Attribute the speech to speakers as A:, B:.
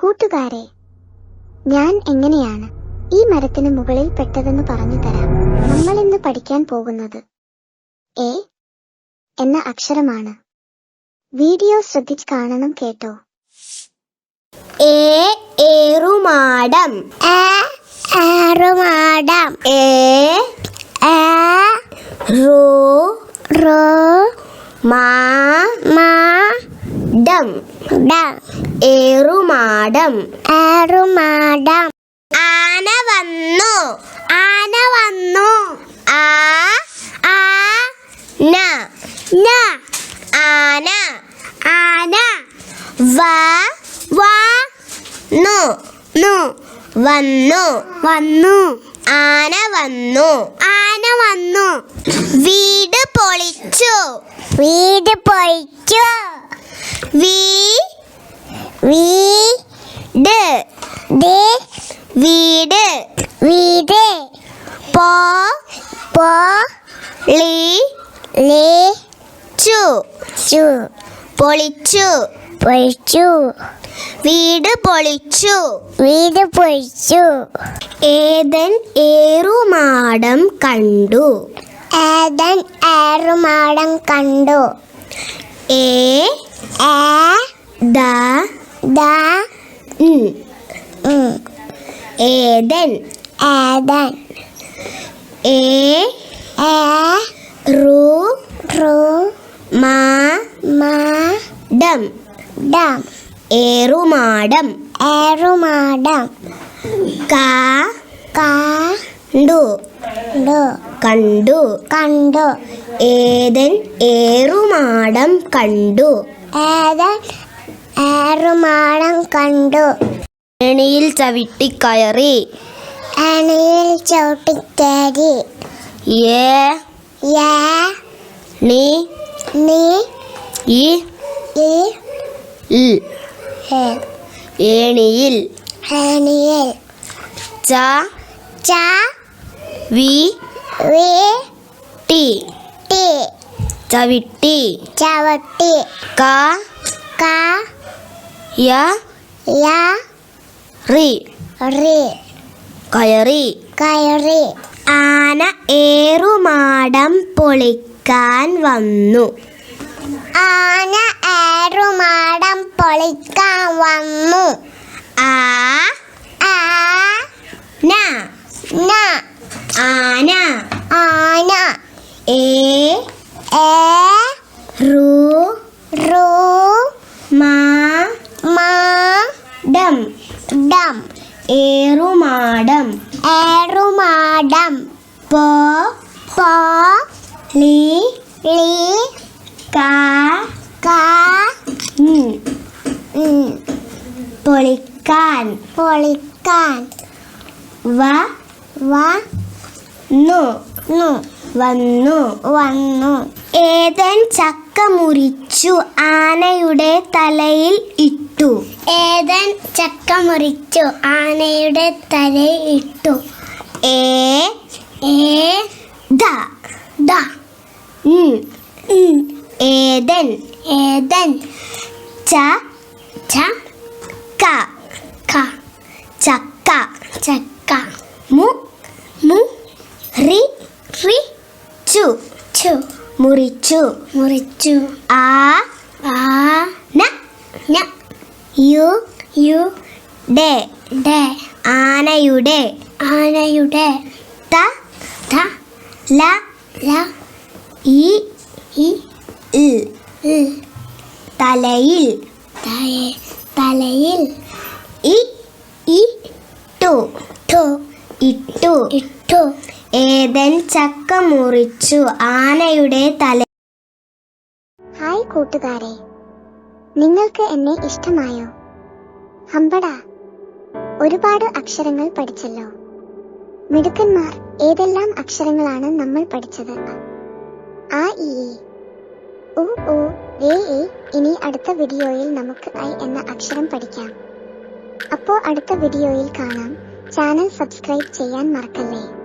A: കൂട്ടുകാരെ, ഞാൻ എങ്ങനെയാണ് ഈ മരത്തിന് മുകളിൽ പെട്ടതെന്ന് പറഞ്ഞു തരാം. നമ്മൾ ഇന്ന് പഠിക്കാൻ പോകുന്നത് എ എന്ന അക്ഷരമാണ്. വീഡിയോ ശ്രദ്ധിച്ച് കാണണം കേട്ടോ.
B: ഏറുമാടം.
A: ഏറുമാടം.
B: മാടം. ഏറുമാടം.
A: ഏറുമാടം.
B: ആന വന്നു.
A: ആന വന്നു.
B: ആന. ആന.
A: ആന.
B: വന്നു.
A: വന്നു.
B: ആന വന്നു.
A: ആന വന്നു.
B: വീട് പൊളിച്ചു.
A: വീട് പൊളിച്ചു.
B: വീട്. വീട്.
A: വീട്.
B: പൊളിച്ചു.
A: പൊളിച്ചു.
B: വീട് പൊളിച്ചു.
A: വീട് പൊളിച്ചു.
B: ഏദൻ ഏറുമാടം കണ്ടു.
A: ഏദൻ ഏറുമാടം കണ്ടു.
B: ഏദൻ.
A: ഏദൻ.
B: മാടം. ഏറുമാടം.
A: ഏറുമാടം.
B: കണ്ടു. ഏദൻ ഏറുമാടം കണ്ടു.
A: ഏദൻ ഏറുമാടം കണ്ടു.
B: ഏണിയിൽ ചവിട്ടിക്കയറി.
A: ഏണിയിൽ ചവിട്ടിക്കയറി.
B: ഏണിയിൽ.
A: ഏണിയിൽ.
B: ചവിട്ടി.
A: ചവിട്ടി.
B: കയറി. ആന ഏറുമാടം പൊളിക്കാൻ വന്നു.
A: ആന ഏറുമാടം പൊളിക്കാൻ വന്നു.
B: ആന.
A: ആന.
B: മാടം. ഏറുമാടം.
A: ഏറുമാടം.
B: പൊളിക്കാൻ. വന്നു. ഏദൻ ചക്ക മുറിച്ചു ആനയുടെ തലയിൽ ഇട്ടു.
A: ഏദൻ ചക്ക മുറിച്ചു ആനയുടെ തലയിൽ ഇട്ടു.
B: ഏദൻ. ചക്ക. മുറിച്ചു. ആനയുടെ. തലയിൽ. ഇട്ടു. ഏദൻ ചക്ക മുറിച്ചു ആനയുടെ തല.
A: ഹായ് കൂട്ടുകാരെ, നിങ്ങൾക്ക് എന്നെ ഇഷ്ടമായോ? ഹമ്പടാ, ഒരുപാട് അക്ഷരങ്ങൾ പഠിച്ചല്ലോ. മിടുക്കന്മാർ. ഏതെല്ലാം അക്ഷരങ്ങളാണ് നമ്മൾ പഠിച്ചത്? ആ, ഈ, ഉ, ഊ, ഏ, ഏ. ഇനി അടുത്ത വീഡിയോയിൽ നമുക്ക് ഐ എന്ന അക്ഷരം പഠിക്കാം. അപ്പോൾ അടുത്ത വീഡിയോയിൽ കാണാം. ചാനൽ സബ്സ്ക്രൈബ് ചെയ്യാൻ മറക്കല്ലേ.